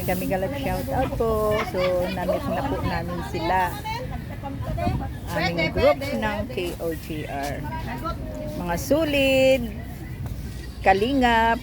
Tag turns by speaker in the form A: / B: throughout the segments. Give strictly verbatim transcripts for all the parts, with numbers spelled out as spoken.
A: Dami-dami galap shout out po. So, namit na po namin sila. Aming group ng K O G R. Mga sulid, kalingap.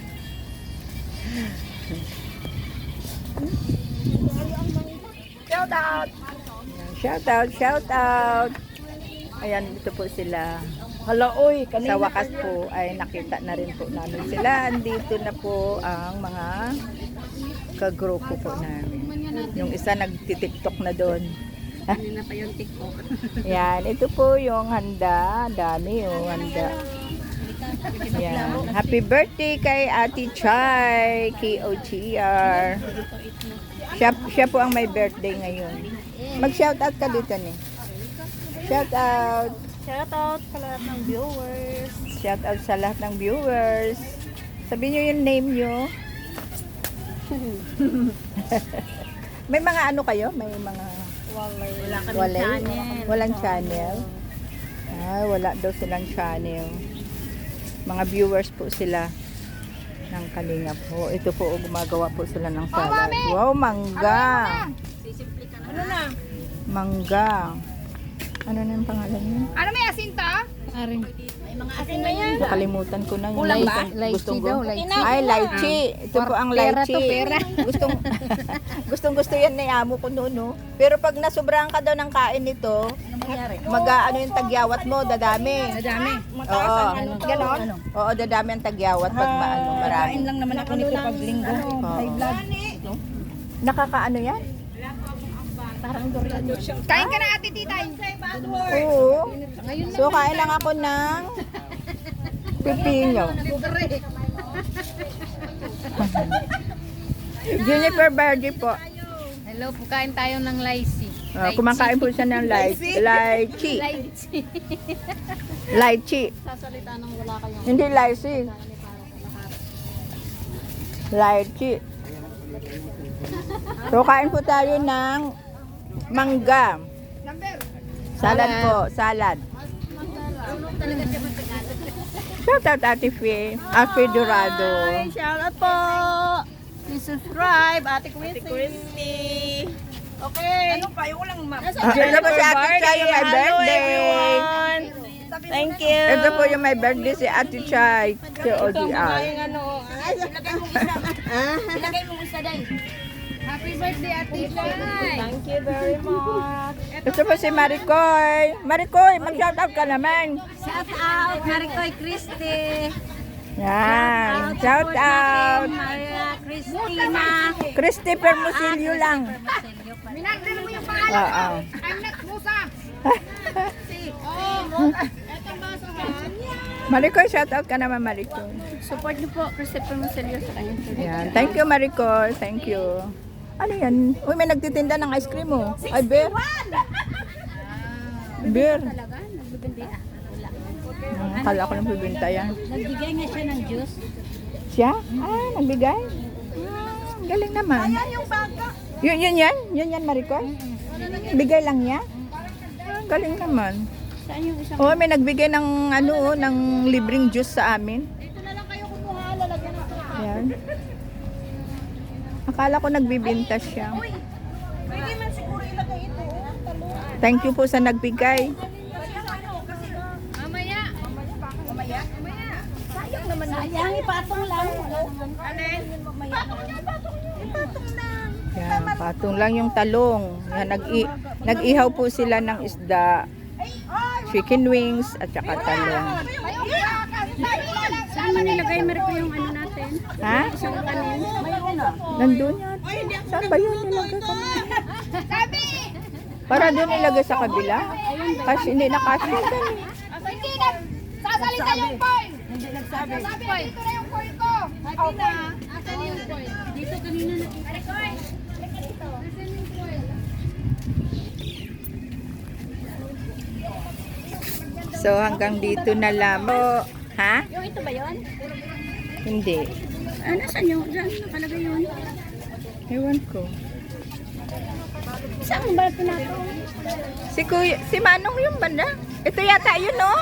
A: Shout out! Shout out, shout out! Ayan, ito po sila.
B: Hala, oy,
A: Sa wakas po ay nakita na rin po namin sila. Andito na po ang mga kagrupo po namin. Yung isa nagtitiktok na doon.
B: Kanina pa yung TikTok.
A: Yan, ito po yung handa. Dami yung handa. Yan. Happy birthday kay Ate Chay, K O G R. Siya, siya po ang may birthday ngayon. Mag-shoutout ka dito ni. Shoutout.
B: Shoutout sa lahat ng viewers.
A: Shoutout sa lahat ng viewers. Sabihin nyo yung name nyo. May mga ano kayo? May mga...
B: Walay. Wala kami
A: Walay?
B: channel.
A: Walang channel? Ay, wala daw silang channel. Mga viewers po sila ng Kalingap po. Ito po, gumagawa po sila ng salad. Wow, mangga!
B: Ano na?
A: Mangga. Ano na yung pangalan niya?
B: Ano may asin ta? Aring. May mga asin na yan.
A: Nakalimutan ko na yung
B: Kulang ba?
A: gustong- gustong
B: Lychee daw,
A: go-
B: lychee.
A: Ay, lychee. Ito po ang
B: Pera to,
A: lychee.
B: pera.
A: Gustong gustong gusto yan ni amo ko noon, no? Pero pag nasobrahan ka daw ng kain nito, mag ano yung tagyawat mo, dadami.
B: Madami.
A: Oo.
B: Ganon?
A: Oo, dadami ang tagyawat pag maano, marami.
B: Kain lang naman ako nito pag linggo.
A: Oo.
B: blood.
A: Nakakaano yan?
B: Parang durian. Kain ka na ate titay.
A: Oo. So, kain lang ako ng pipino. Juniper Verde po.
B: Hello, pukain tayo ng lychee.
A: Uh, kumakain po siya ng lychee. Lychee.
B: Lychee.
A: Lychee.
B: Sasalita nang wala kayong
A: Hindi lychee. Lychee. So, kain po tayo ng mangga. Salad po. Salad. Shout out Ate Fee. Ate Dorado.
B: Shout out po. Please subscribe, Ate Christy. Okay. Ano pa? Yung walang map.
A: Ito po si Ate Chay yung my birthday.
B: Thank you.
A: Ito po yung my birthday si Ate Chay. K O D R.
B: Ano? Ay, ilagay mo isa. Ilagay mo isa dahil. Happy birthday, Ate Chay. Thank you very much.
A: Ito po si Maricoy. Maricoy, mag-shoutout ka naman.
B: Shout out, Maricoy Christy.
A: Yan. Shout out.
B: Maria Cristina.
A: Christy Permusilio lang.
B: Minagdala mo yung pangalan.
A: Oo.
B: I'm not Musa. Oh, eto basahan.
A: Maricoy, shoutout ka naman, Maricoy.
B: Support niyo po, Christopher Marcelio sa kanyang church.
A: Yan. Thank you, Maricoy. Thank you. Ano yan? Uy, may nagtitinda ng ice cream, oh. Ay, beer. Beer.
B: Talaga? Nagbibindi ah. Wala.
A: Hmm, Akala ko lang bibinta yan.
B: Nagbigay nga siya ng juice.
A: Siya? Ah, nagbigay? Ah, galing naman.
B: yung baka.
A: Yun, yun yan? Yun yan, Maricoy? Bigay lang niya? Ah, galing naman.
B: Saan yung isang...
A: Oh, may nagbigay ng ano, oh, ng libreng juice sa amin.
B: Dito na lang kayo kumuha, lalagyan ng ito.
A: Yan. Akala ko nagbibinta siya.
B: Pwede man siguro ilagay ito.
A: Thank you po sa nagbigay.
B: Mamaya. Mamaya? Mamaya. Sayang naman. Sayang, ipatong lang. Alin? Patong niya, patong niya. Ipatong lang.
A: Yan, patong lang yung talong. Yan, nag-i nag-ihaw po sila ng isda, chicken wings, at saka talong.
B: Saan man nilagay, Marco, yung ano natin?
A: Ha?
B: Isang kanin.
A: Nandun yan. Saan ba yun nilagay ka?
B: Sabi!
A: Para doon ilagay sa kabila? Kasi hindi na kasi.
B: Hindi na! Sasalita yung coin! Hindi nagsabi. Sabi, dito na yung coin ko! Happy na! Asan yung coin? Dito kanina na. Ano coin? Dito. Asan yung coin?
A: So hanggang dito na lang. Oh, ha?
B: Yung ito ba yun?
A: Hindi.
B: Ah, nasan yun? Saan nakalagay yun?
A: Ewan ko.
B: Saan ba ito nato?
A: Si Kuya, si Manong yung banda. Ito yata yun, no?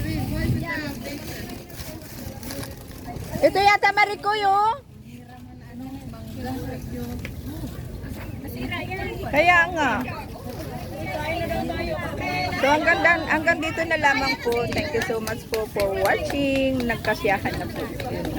A: Ito yata Maricoy, oh. Kaya nga. So hanggang, dan- hanggang dito na lamang po. Thank you so much po for watching. Nagkasiyahan na po. Yun.